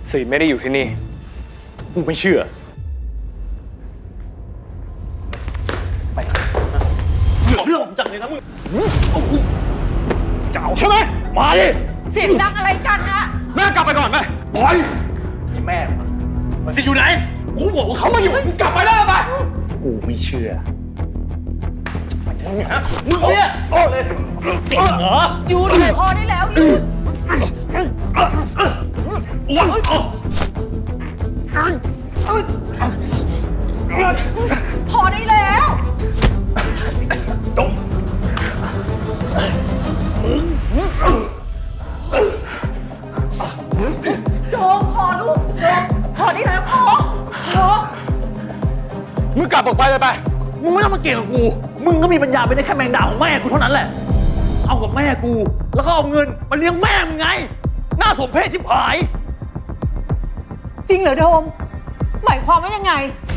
สีไม่ได้อยู่ที่นี่กูไม่เชื่อไปเรื่องผมจังเลยนะมึงเจ้าใช่ไหมมาดิเสียงดังอะไรกันนะแม่กลับไปก่อนไหมปล่อยแม่มันสิอยู่ไหนกูบอกว่าเขามาอยู่มึงกลับไปได้แล้วไปกูไม่เชื่อไปทางไหนฮะมึงเนี่ยติดเหรอยูนพอได้แล้วยูนพอได้แล้วจงโจงพอลูกโจงพอได้แล้วพอมึงกลับออกไปเลยไปมึงไม่ต้องมาเกี่ยงกับกูมึงก็มีปัญญาไปได้แค่แมงดาของแม่กูเท่านั้นแหละเอากับแม่กูแล้วก็เอาเงินมาเลี้ยงแม่มึงไงน่าสมเพชชิบหายจริงเหรอโดมหมายความว่ายังไง